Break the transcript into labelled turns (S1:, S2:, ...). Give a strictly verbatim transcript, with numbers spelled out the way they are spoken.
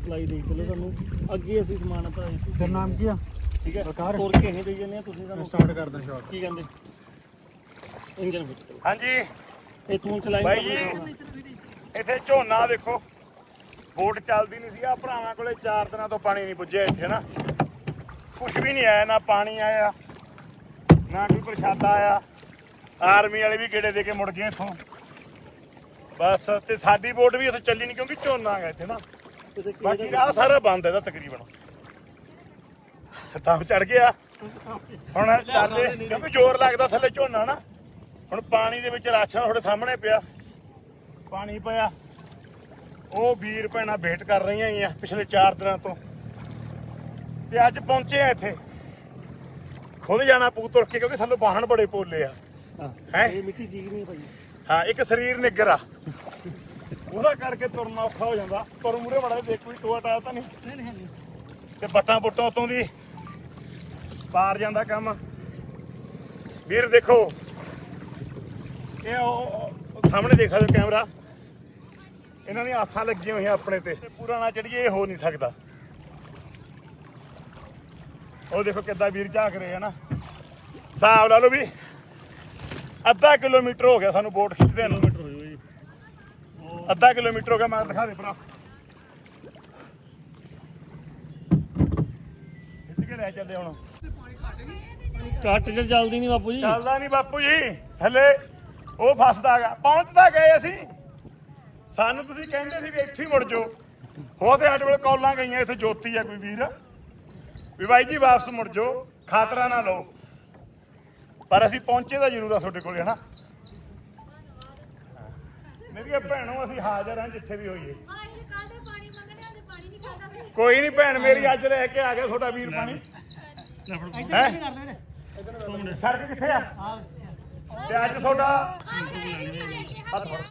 S1: Supply ਦੇ ਚਲੋ ਤੁਹਾਨੂੰ ਅੱਗੇ ਅਸੀਂ ਸਮਾਨ ਆਪਾਂ
S2: ਤੇਰਾ ਨਾਮ ਕੀ ਆ?
S1: ਠੀਕ ਹੈ
S2: ਬਲਕਾਰ।
S1: ਹੋਰ ਕਿਸੇ ਦੇ ਜਾਂਦੇ ਆ ਤੁਸੀਂ ਸਾਨੂੰ
S2: ਸਟਾਰਟ ਕਰਦਾ ਸ਼ਾਟ।
S1: ਕੀ ਕਹਿੰਦੇ ਇੰਜਨ ਵਿੱਚ
S3: ਹਾਂਜੀ
S1: ਇਹ ਤੂੰ ਚਲਾਈ
S3: ਬਾਈ ਜੀ ਇੱਥੇ ਝੋਨਾ ਦੇਖੋ ਬੋਟ ਚੱਲਦੀ ਨਹੀਂ ਸੀ ਆ ਭਰਾਵਾਂ ਕੋਲੇ ਚਾਰ ਦਿਨਾਂ ਤੋਂ ਪਾਣੀ ਨਹੀਂ ਪੁੱਜਿਆ ਇੱਥੇ ਨਾ ਕੁਛ ਵੀ ਨਹੀਂ ਆਇਆ ਨਾ ਪਾਣੀ ਆਇਆ ਨਾ ਕੋਈ ਪ੍ਰਸ਼ਾਦਾ ਆਇਆ ਆਰਮੀ ਵਾਲੇ ਵੀ ਗੇੜੇ ਦੇ ਕੇ ਮੁੜ ਗਏ ਇੱਥੋਂ ਬਸ ਤੇ ਸਾਡੀ ਬੋਟ ਵੀ ਇੱਥੇ ਚੱਲੀ ਨਹੀਂ ਕਿਉਂਕਿ ਝੋਨਾ ਹੈਗਾ ਇੱਥੇ ਨਾ ਬਾਕੀ ਰਾਹ ਸਾਰਾ ਬੰਦ ਇਹਦਾ ਤਕਰੀਬਨ ਤਾਂ ਚੜ ਗਿਆ ਹੁਣ ਚੱਲੇ ਕਿਉਂਕਿ ਜ਼ੋਰ ਲੱਗਦਾ ਥੱਲੇ ਝੋਨਾ ਨਾ ਹੁਣ ਪਾਣੀ ਦੇ ਵਿੱਚ ਰਾਸ਼ਨ ਤੁਹਾਡੇ ਸਾਹਮਣੇ ਪਿਆ ਪਾਣੀ ਪਿਆ ਉਹ ਵੀਰ ਭੈਣਾਂ ਵੇਟ ਕਰ ਰਹੀਆਂ ਹੀ ਆ ਪਿਛਲੇ ਚਾਰ ਦਿਨਾਂ ਤੋਂ ਤੇ ਅੱਜ ਪਹੁੰਚੇ ਆ ਇੱਥੇ ਖੁਦ ਜਾਣਾ ਪੂ ਤੁਰ ਕੇ ਕਿਉਂਕਿ ਸਾਨੂੰ ਵਾਹਣ ਬੜੇ ਪੋਲੇ ਆ ਹੈ
S1: ਇਹ ਮਿੱਟੀ ਚੀਜ਼ ਨਹੀਂ ਭਾਈ
S3: ਹਾਂ ਇੱਕ ਸਰੀਰ ਨਿੱਗਰ ਆ ਉਹਦਾ ਕਰਕੇ ਤੁਰਨਾ ਔਖਾ ਹੋ ਜਾਂਦਾ ਤੁਰ ਮੂਰੇ ਬੜਾ ਦੇਖ ਕੋਈ ਟੋਆ ਟਾਇਆ ਤਾਂ ਨਹੀਂ
S1: ਨਹੀਂ ਨਹੀਂ
S3: ਤੇ ਬੱਟਾਂ ਬੁੱਟਾਂ ਉਤੋਂ ਦੀ ਪਾਰ ਜਾਂਦਾ ਕੰਮ ਵੀਰ ਦੇਖੋ ਇਹ ਉਹ ਸਾਹਮਣੇ ਦੇਖ ਸਕਦੇ ਕੈਮਰਾ ਇਹਨਾਂ ਦੀਆਂ ਆਸਾਂ ਲੱਗੀਆਂ ਹੋਈਆਂ ਆਪਣੇ ਤੇ ਪੂਰਾ ਨਾ ਚੜੀਏ ਇਹ ਹੋ ਨਹੀਂ ਸਕਦਾ ਉਹ ਦੇਖੋ ਕਿੱਦਾਂ ਵੀਰ ਝਾਕ ਰਹੇ ਆ ਨਾ ਹਿਸਾਬ ਲਾ ਲਓ ਵੀ ਅੱਧਾ ਕਿਲੋਮੀਟਰ ਹੋ ਗਿਆ ਸਾਨੂੰ ਬੋਟ ਖਿੱਚਦੇ ਨੂੰ ਅੱਧਾ ਕਿਲੋਮੀਟਰ ਹੋ ਗਿਆ ਮੈਂ ਦਿਖਾ ਦੇ ਭਰਾ ਖਿੱਚ ਕੇ ਲੈ ਚੱਲਦੇ ਹੁਣ
S1: ਕੱਟ ਚ ਚੱਲਦੀ ਨਹੀਂ ਬਾਪੂ ਜੀ
S3: ਚੱਲਦਾ ਨਹੀਂ ਬਾਪੂ ਜੀ ਥੱਲੇ ਉਹ ਫਸਦਾ ਗਾ ਪਹੁੰਚਦਾ ਗਏ ਅਸੀਂ ਸਾਨੂੰ ਤੁਸੀਂ ਕਹਿੰਦੇ ਸੀ ਵੀ ਇੱਥੇ ਹੀ ਮੁੜ ਜਾਓ ਹੋ ਤੇ ਸਾਡੇ ਕੋਲ ਕੌਲਾਂ ਗਈਆਂ ਇੱਥੇ ਜੋਤੀ ਆ ਕੋਈ ਵੀਰ ਵੀ ਬਾਈ ਜੀ ਵਾਪਸ ਮੁੜ ਜਾਓ ਖਾਤਰਾ ਨਾ ਲਓ ਪਰ ਅਸੀਂ ਪਹੁੰਚੇ ਤਾਂ ਜ਼ਰੂਰ ਆ ਤੁਹਾਡੇ ਕੋਲ ਹੈ ਨਾ ਮੇਰੀਆਂ ਭੈਣੋ ਅਸੀਂ ਹਾਜ਼ਰ ਹਾਂ ਜਿੱਥੇ ਵੀ ਹੋਈਏ ਕੋਈ ਨਹੀਂ ਭੈਣ ਮੇਰੀ ਅੱਜ ਲੈ ਕੇ ਆ ਗਿਆ ਤੁਹਾਡਾ ਵੀਰ ਪਾਣੀ ਹੈ ਸੜਕ ਕਿੱਥੇ ਆ ਤੇ ਅੱਜ ਤੁਹਾਡਾ